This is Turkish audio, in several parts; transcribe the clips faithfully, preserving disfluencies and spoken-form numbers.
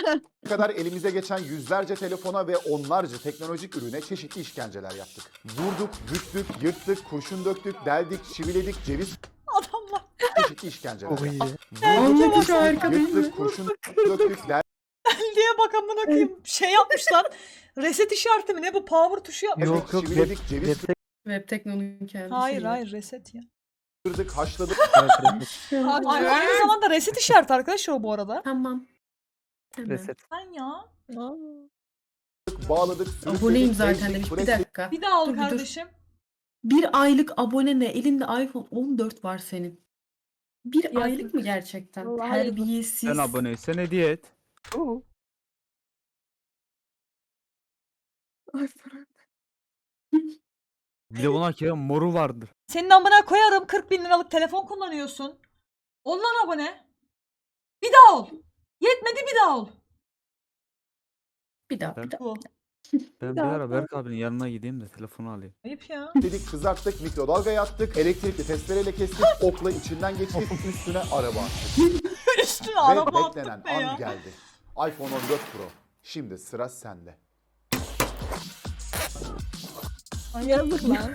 Bu kadar elimize geçen yüzlerce telefona ve onlarca teknolojik ürüne çeşitli işkenceler yaptık. Vurduk, büktük, yırttık, kurşun döktük, deldik, çiviledik, ceviz Adamlar. çeşitli işkenceler Çok iyi. yaptık. Anlatış Vurduk, harika değil mi? yırttık, kurşun döktük, diye bak amına koyayım. Şey yapmışlar. Reset işareti mi ne bu? Power tuşu yapmış. deldik, Yok yok. çiviledik, Web, ceviz web Web teknolojinin kendisi. Hayır hayır reset ya. kırdık, haşladık, Ay, aynı zamanda reset işareti arkadaşlar o bu arada. Tamam. Hemen. reset. Sen ya. bağladık, Aboneyim sürükledik, zaten ezdik, demiş. Bir presledik. dakika. Bir daha ol Dur, bir dur. kardeşim. Bir aylık abone ne? Elinde iPhone on dört var senin. Bir Yazık. aylık mı gerçekten? Vallahi yazık. Terbiyesiz. Sen aboneysen hediye et. Ay Ferhat. Bir de buna ki moru vardır. Senin amına koyarım kırk bin liralık telefon kullanıyorsun. Ol lan abone. Bir daha ol. Yetmedi bir daha ol. Bir daha bir daha. Bu. Ben bir ara Berk abinin yanına gideyim de telefonu alayım. Ayıp ya. Dedik, kızarttık, mikrodalgaya attık, elektrikli testereyle kestik, okla içinden geçtik, üstüne araba attık. Üstüne Ve araba beklenen attık be an ya. geldi. iPhone on dört Pro. Şimdi sıra sende. Ay yazık lan.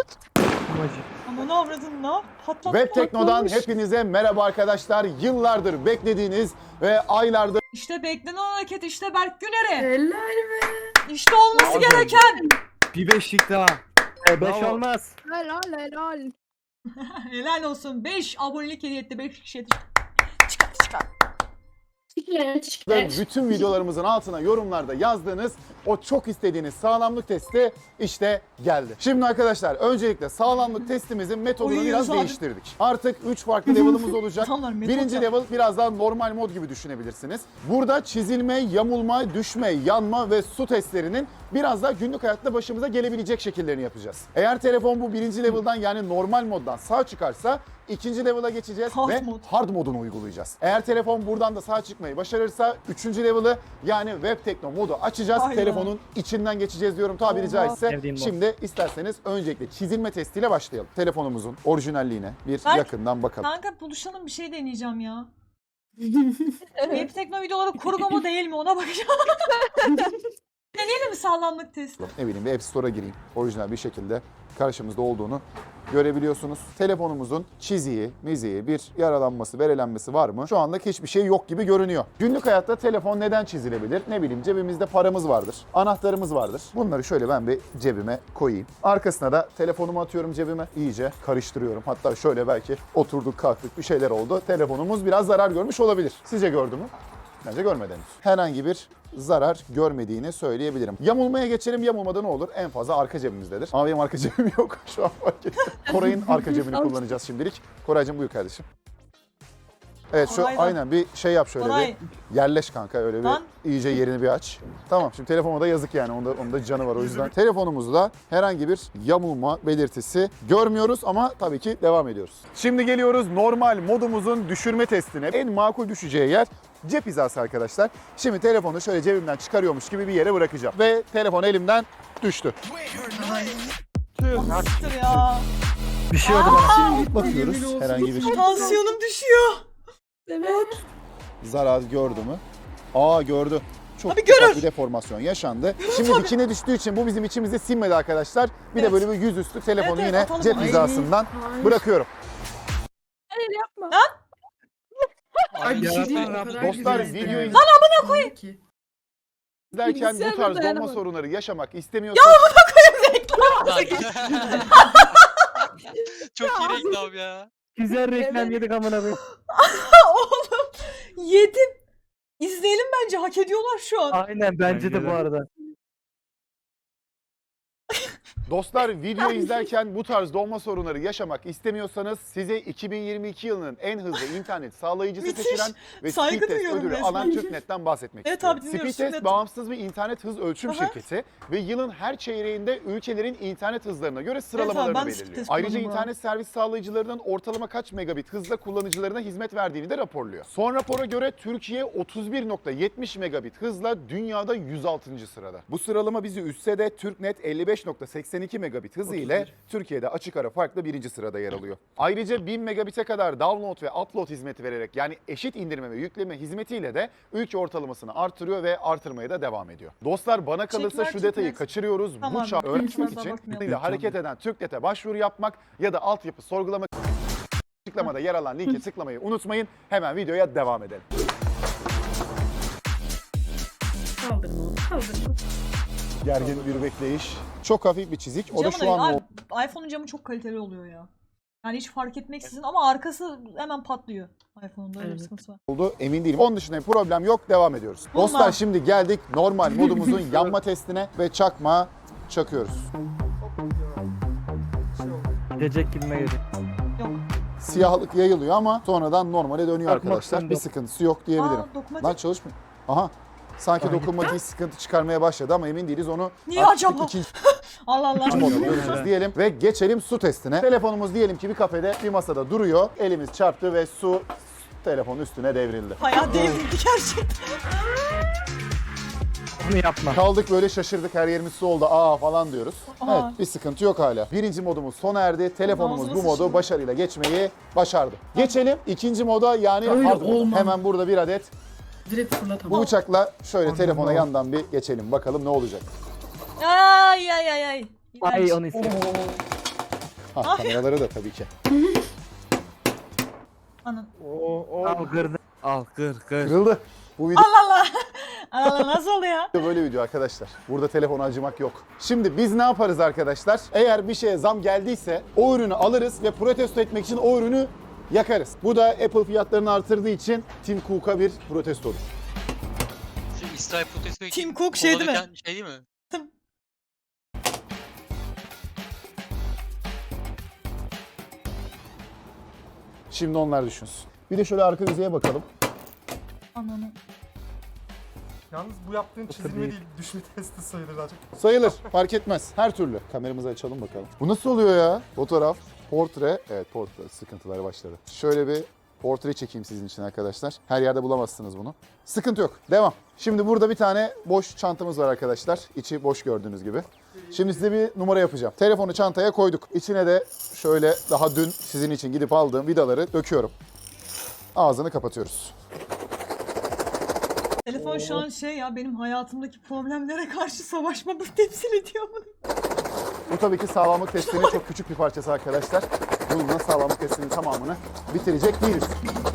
Ama ne avradın lan? Patlat. Web Tekno'dan patlamış. hepinize merhaba arkadaşlar. Yıllardır beklediğiniz ve aylardır İşte beklenen hareket işte Berk Güner'e. Helal be. İşte olması Bravo. gereken. Bir beşlik daha. E, beş Bravo. olmaz. Helal helal. Helal olsun. beş abonelik hediye etti. beş kişiye çıkar çıkar. Çıkar çıkar. bütün videolarımızın altına yorumlarda yazdığınız o çok istediğiniz sağlamlık testi işte geldi. Şimdi arkadaşlar öncelikle sağlamlık testimizin metodunu Oy, biraz abi. değiştirdik. Artık üç farklı level'ımız olacak. Adamlar metot Birinci yap- level biraz daha normal mod gibi düşünebilirsiniz. Burada çizilme, yamulma, düşme, yanma ve su testlerinin biraz daha günlük hayatta başımıza gelebilecek şekillerini yapacağız. Eğer telefon bu birinci level'dan yani normal moddan sağ çıkarsa ikinci level'a geçeceğiz Hard ve mod. hard modunu uygulayacağız. Eğer telefon buradan da sağ çıkmayı başarırsa üçüncü level'ı yani Web Tekno modu açacağız. Aynen. Telefonun içinden geçeceğiz diyorum tabiri Oha. caizse. Sevdiğim mod. Şimdi isterseniz öncelikle çizilme testiyle başlayalım. Telefonumuzun orijinalliğine bir Berk, yakından bakalım. Kanka buluşalım bir şey deneyeceğim ya. Web Tekno videoları kurgu mu değil mi ona bakacağım. Deneyelim mi sağlamlık testi? Ne bileyim bir App Store'a gireyim. Orijinal bir şekilde karşımızda olduğunu görebiliyorsunuz. Telefonumuzun çiziği, miziği, bir yaralanması, verelenmesi var mı? Şu anda hiçbir şey yok gibi görünüyor. Günlük hayatta telefon neden çizilebilir? Ne bileyim cebimizde paramız vardır, anahtarımız vardır. Bunları şöyle ben bir cebime koyayım. Arkasına da telefonumu atıyorum cebime. İyice karıştırıyorum. Hatta şöyle belki oturduk kalktık bir şeyler oldu. Telefonumuz biraz zarar görmüş olabilir. Sizce gördü mü? Bence görmedi henüz. Herhangi bir zarar görmediğini söyleyebilirim. Yamulmaya geçelim. Yamulmada ne olur? En fazla arka cebimizdedir. Ama benim arka cebim yok. Şu an fark ettim. Koray'ın arka cebini kullanacağız şimdilik. Koraycığım buyur kardeşim. Evet şu Koray da- aynen bir şey yap şöyle Koray. bir yerleş kanka öyle bir Lan. iyice yerini bir aç. Tamam şimdi telefona da yazık yani onda, onda canı var o yüzden. Telefonumuzda herhangi bir yamulma belirtisi görmüyoruz ama tabii ki devam ediyoruz. Şimdi geliyoruz normal modumuzun düşürme testine. En makul düşeceği yer cep hizası arkadaşlar. Şimdi telefonu şöyle cebimden çıkarıyormuş gibi bir yere bırakacağım. Ve telefon elimden düştü. Nasıldır ya? Bir şey oldu bana. Bakıyoruz Yemin olsun. herhangi bir Tansiyonum düşüyor. Evet. zarar gördü mü? Aa gördü. Çok Tabii ufak görür. bir deformasyon yaşandı. Şimdi dikine düştüğü için bu bizim içimizde sinmedi arkadaşlar. Bir Evet. de böyle bir yüzüstü telefonu Evet, evet, yine atalım cep onu. hizasından Ay. bırakıyorum. Hayır yapma. Ay bir şey değil. O Yaratan kadar Dostlar, güzel videoyu- izledim. Lan amına koyayım. İzlerken bu Bilgisayarda tarz donma dayanamadım. sorunları yaşamak istemiyorsanız Çok iyi reklam ya. Güzel reklam Evet. yedik amına koyayım. Oğlum yedim. İzleyelim bence hak ediyorlar şu an. Aynen bence de Bence bu de. arada. dostlar video izlerken bu tarz donma sorunları yaşamak istemiyorsanız size iki bin yirmi iki yılının en hızlı internet sağlayıcısı Müthiş. seçilen ve Saygı Speedtest duyuyorum ödülü resmen. alan TürkNet'ten bahsetmek Evet istiyorum. abi, dinliyoruz, Speedtest TürkNet. bağımsız bir internet hız ölçüm Aha. şirketi ve yılın her çeyreğinde ülkelerin internet hızlarına göre sıralamalarını ben de belirliyor. Speedtest Ayrıca kullanıyorum internet servis sağlayıcılarının ortalama kaç megabit hızla kullanıcılarına hizmet verdiğini de raporluyor. Son rapora göre Türkiye otuz bir nokta yetmiş megabit hızla dünyada yüz altıncı sırada. Bu sıralama bizi üstse de TürkNet elli beş nokta seksen seksen iki megabit hızı ile Türkiye'de açık ara farklı birinci sırada yer alıyor. Ayrıca bin megabit'e kadar download ve upload hizmeti vererek yani eşit indirme ve yükleme hizmetiyle de ülke ortalamasını artırıyor ve artırmaya da devam ediyor. Dostlar bana kalırsa Teşekkürler, şu detayı çok net. kaçırıyoruz. Tamam, Bu çağ bir öğrenmek fazla için bakmayalım. ile hareket eden TürkNet'e başvuru yapmak ya da altyapı sorgulama açıklamada yer alan linke tıklamayı unutmayın. Hemen videoya devam edelim. Kaldırma onu, kaldırma. Gergin bir bekleyiş. Çok hafif bir çizik. O da Camı şu an abi, iPhone'un camı çok kaliteli oluyor ya. Yani hiç fark etmeksizin ama arkası hemen patlıyor. iPhone'da öyle bir Evet. sıkıntısı var. oldu emin değilim. Onun dışında bir problem yok. Devam ediyoruz. Bunlar. Dostlar şimdi geldik normal modumuzun yanma testine ve çakma çakıyoruz. Gidecek gibime geliyor. Yok. Siyahlık yayılıyor ama sonradan normale dönüyor Çakmak arkadaşlar. söndü. Bir sıkıntısı yok diyebilirim. Aa, dokunmatik. Lan çalışmıyor. Aha. Sanki dokunmatiği sıkıntı çıkarmaya başladı ama emin değiliz. Onu Niye artık acaba? ikinci Allah Allah. moda göreceğiz diyelim ve geçelim su testine. Telefonumuz diyelim ki bir kafede bir masada duruyor. Elimiz çarptı ve su telefonun üstüne devrildi. Bayağı devrildi gerçekten. Onu yapma. Kaldık böyle şaşırdık, her yerimiz su oldu aa falan diyoruz. Aa. Evet, bir sıkıntı yok hala. Birinci modumuz sona erdi. Telefonumuz Ağzına bu modu sıçtı. başarıyla geçmeyi başardı. Geçelim ikinci moda yani Öyle hard moda. olmaz. Hemen burada bir adet Direkt bu fırlatamam. bıçakla şöyle Aman telefona Allah'ım. yandan bir geçelim bakalım ne olacak. Ay ay ay ay. Ay İğrenç. onu istiyorum. Ha, kameraları da tabii ki. Anın. Al kırdı. Al kır kır. Kırıldı. Bu video Allah Allah. Allah Allah nasıl oldu ya? böyle video arkadaşlar. Burada telefona acımak yok. Şimdi biz ne yaparız arkadaşlar? Eğer bir şeye zam geldiyse o ürünü alırız ve protesto etmek için o ürünü yakarız. Bu da Apple fiyatlarını artırdığı için Tim Cook'a bir protestodur. Şu İsrail protesto için Tim Cook şey değil mi? kovalarken Şey değil mi? Şimdi onlar düşünsün. Bir de şöyle arka yüzeye bakalım. Ananı. Yalnız bu yaptığın çizilme değil. değil, düşme testi sayılır daha çok. Sayılır, fark etmez. Her türlü. Kameramızı açalım bakalım. Bu nasıl oluyor ya? Fotoğraf, portre. Evet, portre sıkıntıları başladı. Şöyle bir portre çekeyim sizin için arkadaşlar. Her yerde bulamazsınız bunu. Sıkıntı yok. Devam. Şimdi burada bir tane boş çantamız var arkadaşlar. İçi boş gördüğünüz gibi. Şimdi size bir numara yapacağım. Telefonu çantaya koyduk. İçine de şöyle daha dün sizin için gidip aldığım vidaları döküyorum. Ağzını kapatıyoruz. Telefon şu an şey ya benim hayatımdaki problemlere karşı savaşmamı temsil ediyor mu? Bu tabii ki sağlamlık testinin çok küçük bir parçası arkadaşlar. Bununla sağlamlık testinin tamamını bitirecek değiliz.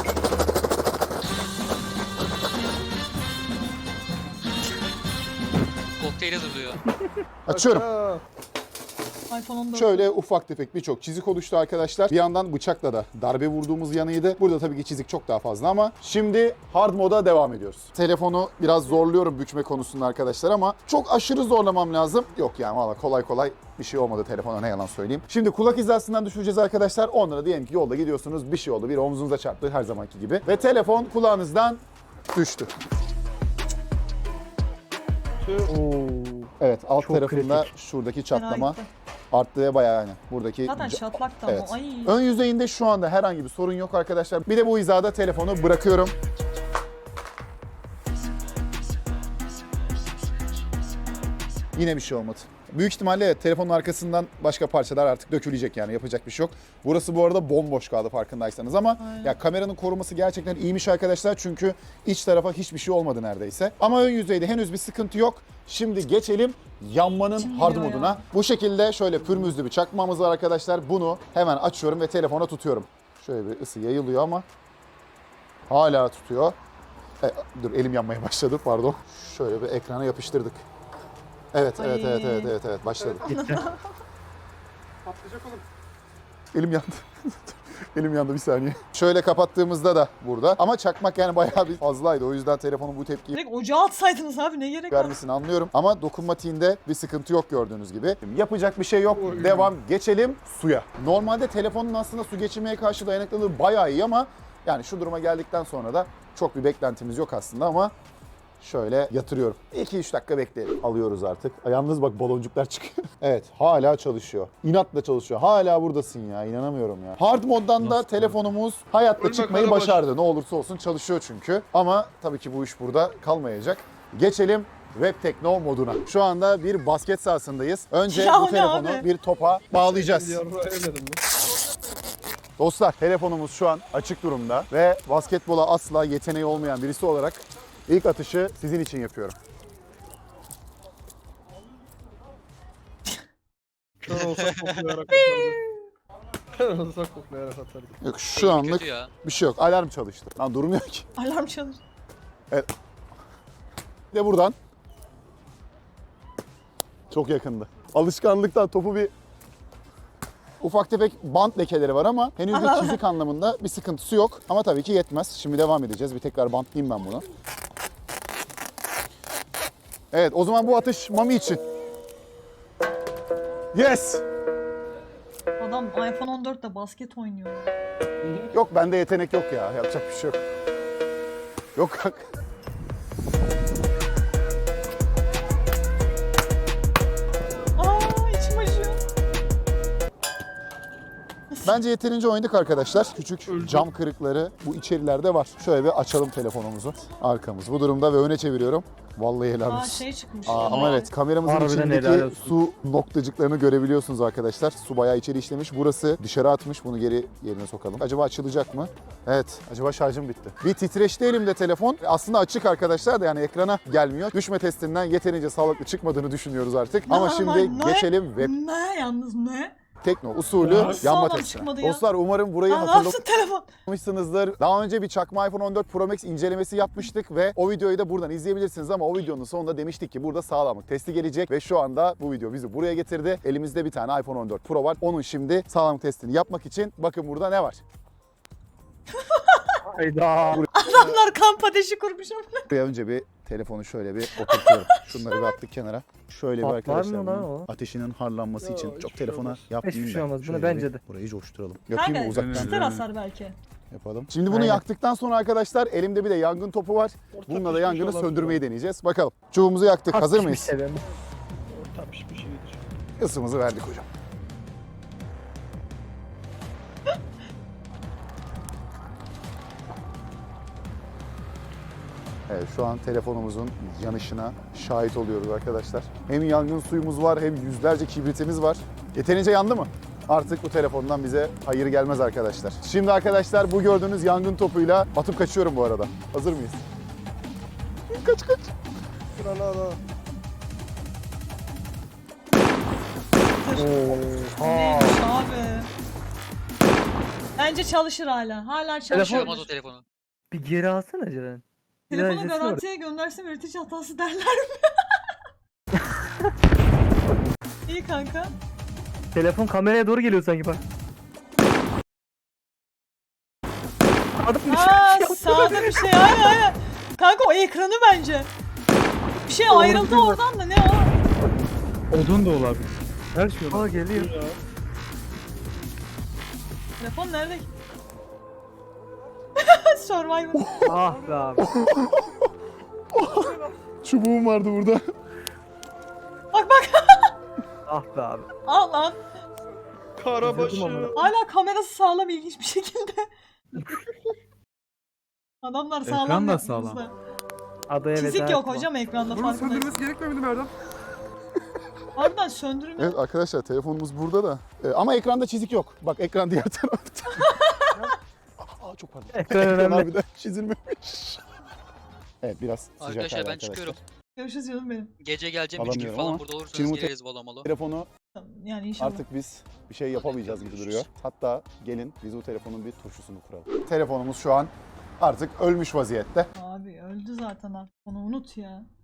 Kokteyl hazırlıyor. Açıyorum. iPhone on dört. Şöyle ufak tefek birçok çizik oluştu arkadaşlar. Bir yandan bıçakla da darbe vurduğumuz yanıydı. Burada tabii ki çizik çok daha fazla ama şimdi hard moda devam ediyoruz. Telefonu biraz zorluyorum bükme konusunda arkadaşlar ama çok aşırı zorlamam lazım. Yok yani valla kolay kolay bir şey olmadı telefona, ne yalan söyleyeyim. Şimdi kulak hizasından düşüreceğiz arkadaşlar. Onlara diyelim ki yolda gidiyorsunuz, bir şey oldu, bir omzunuza çarptı her zamanki gibi. Ve telefon kulağınızdan düştü. Evet, alt Çok tarafında kritik. şuradaki Fena çatlama gitti. arttı ve bayağı yani buradaki Zaten ca- şatlak da Evet. ama. Ay. ön yüzeyinde şu anda herhangi bir sorun yok arkadaşlar. Bir de bu hizada telefonu bırakıyorum. Yine bir şey olmadı. Büyük ihtimalle evet, telefonun arkasından başka parçalar artık dökülecek yani yapacak bir şey yok. Burası bu arada bomboş kaldı farkındaysanız ama Aynen. ya kameranın koruması gerçekten iyiymiş arkadaşlar çünkü iç tarafa hiçbir şey olmadı neredeyse. Ama ön yüzeyde henüz bir sıkıntı yok. Şimdi geçelim yanmanın İçim hard yanıyor moduna. ya. Bu şekilde şöyle pürmüzlü bir çakmağımız var arkadaşlar. Bunu hemen açıyorum ve telefona tutuyorum. Şöyle bir ısı yayılıyor ama hala tutuyor. E, dur elim yanmaya başladı pardon. Şöyle bir ekrana yapıştırdık. Evet, evet, Ay. evet, evet, evet, evet, başladı. Gitti. Patlayacak oğlum. Elim yandı. Elim yandı bir saniye. Şöyle kapattığımızda da burada. Ama çakmak yani bayağı bir fazlaydı. O yüzden telefonun bu tepkiyi Direkt ocağa atsaydınız abi ne gerek var? vermesini anlıyorum. Ama dokunmatiğinde bir sıkıntı yok gördüğünüz gibi. Yapacak bir şey yok. Devam. Geçelim suya. Normalde telefonun aslında su geçirmeye karşı dayanıklılığı bayağı iyi ama yani şu duruma geldikten sonra da çok bir beklentimiz yok aslında ama şöyle yatırıyorum. iki üç dakika bekleyelim. Alıyoruz artık. Yalnız bak baloncuklar çıkıyor. Evet, hala çalışıyor. İnatla çalışıyor. Hala buradasın ya. İnanamıyorum ya. Hard moddan da Nasıl? telefonumuz hayatta Ölme çıkmayı karabaş. başardı. Ne olursa olsun çalışıyor çünkü. Ama tabii ki bu iş burada kalmayacak. Geçelim Web Tekno moduna. Şu anda bir basket sahasındayız. Önce Ya bu ne telefonu abi? bir topa bağlayacağız. Dostlar, telefonumuz şu an açık durumda ve basketbola asla yeteneği olmayan birisi olarak ilk atışı sizin için yapıyorum. Kör olsak koklayarak atardı. Kör olsak koklayarak atardı. Yok, şu anlık Kötü ya. bir şey yok. Alarm çalıştı. Lan durmuyor ki. Alarm çalır. Bir de buradan. Çok yakındı. Alışkanlıktan topu bir ufak tefek bant lekeleri var ama henüz bir Allah. çizik anlamında bir sıkıntısı yok. Ama tabii ki yetmez. Şimdi devam edeceğiz. Bir tekrar bantlayayım ben bunu. Evet, o zaman bu atış Mami için. Yes! Adam iPhone on dörtte basket oynuyor. Yok, bende yetenek yok ya. Yapacak bir şey yok. Yok kanka. Aa içim acıyor. Bence yeterince oynadık arkadaşlar. Küçük cam kırıkları bu içerilerde var. Şöyle bir açalım telefonumuzu. Arkamız bu durumda ve öne çeviriyorum. Vallahi helal Aa olsun. şey çıkmış. Aa, ya. ama evet, kameramızın Harbiden helal içindeki olsun. su noktacıklarını görebiliyorsunuz arkadaşlar. Su bayağı içeri işlemiş. Burası dışarı atmış. Bunu geri yerine sokalım. Acaba açılacak mı? Evet. Acaba şarjım bitti. Bir titreşti elimde telefon. Aslında açık arkadaşlar da yani ekrana gelmiyor. Düşme testinden yeterince sağlıklı çıkmadığını düşünüyoruz artık. Ne Ama ama şimdi ne? geçelim web Ne yalnız ne? tekno usulü Nasıl yanma sağlam testine. çıkmadı ya? Dostlar, umarım burayı Aa, hatırlamışsınızdır. nasıl telefon? Yapmışsınızdır. Daha önce bir çakma iPhone on dört Pro Max incelemesi yapmıştık ve o videoyu da buradan izleyebilirsiniz ama o videonun sonunda demiştik ki burada sağlamlık testi gelecek ve şu anda bu video bizi buraya getirdi. Elimizde bir tane iPhone on dört Pro var. Onun şimdi sağlamlık testini yapmak için bakın burada ne var? Hayda. Adamlar kamp ateşi kurmuş ama. Buraya önce bir telefonu şöyle bir oturtuyorum. Şunları bir attık kenara. Şöyle bir Patlar arkadaşlar mı lan bunun o? ateşinin harlanması Ya, için hiçbir çok şey telefona olmaz. yapmayayım Hiçbir şey ben. olmaz. Bunu Şöyle bence bir de. Burayı coşturalım. Yapayım mı Kanka uzaktan? ister hasar belki. Yapalım. Şimdi bunu Aynen. yaktıktan sonra arkadaşlar elimde bir de yangın topu var. Orta Bununla da pişmiş yangını olabilir söndürmeyi deneyeceğiz. Bakalım. Çubuğumuzu yaktık. Hazır mıyız? Pişmiş seven. Orta pişmiş iyidir. Isımızı verdik hocam. Evet, şu an telefonumuzun yanışına şahit oluyoruz arkadaşlar. Hem yangın suyumuz var hem yüzlerce kibritimiz var. Yeterince yandı mı? Artık bu telefondan bize hayır gelmez arkadaşlar. Şimdi arkadaşlar bu gördüğünüz yangın topuyla atıp kaçıyorum bu arada. Hazır mıyız? Kaç kaç. Sıra la la. Neymiş abi? Bence çalışır hala. Hala çalışır. Çalışamaz o telefonu. Bir geri alsana Ceren. Bir daha Telefonu izlesene garantiye göndersem üretici hatası derler mi? İyi kanka. orayı. Telefon kameraya doğru geliyor sanki bak. Adam bir Aa şey sağda bir şey. Aynen aynen. Kanka o ekranı bence. Bir şey ayrıldı oradan da ne o? Odun da olabilir. Her şey olabilir. Aa geliyor. Telefon nerede? Survivor. Ah be abi. Çubuğum vardı burada. Bak bak. Ah be abi. Al lan. Karabaşı. Üzüldüm ama. Hala kamerası sağlam ilginç bir şekilde. Adamlar sağlam. Ekran da yapmış sağlam. da. Adaya Çizik veda yok etme. hocam ekranda Bunun farkındayız. söndürmesi gerekmiyor muydu Erdem? Harbiden söndürmüyor. Evet arkadaşlar, telefonumuz burada da. Ee, ama ekranda çizik yok. Bak ekran diğer tarafta. Aa, çok pardon. Ekran Ekran önemli. harbiden çizilmemiş. Evet, biraz sıcak Arkadaşlar hali ben çıkıyorum. Görüşürüz canım benim. Gece geleceğim üç gün Alamıyorum ama falan burada olursanız şimdi bu te- geliriz volamalı. Telefonu Yani inşallah. artık biz bir şey yapamayacağız gibi duruyor. Hatta gelin biz bu telefonun bir turşusunu kuralım. Telefonumuz şu an artık ölmüş vaziyette. Abi öldü zaten artık. Onu unut ya.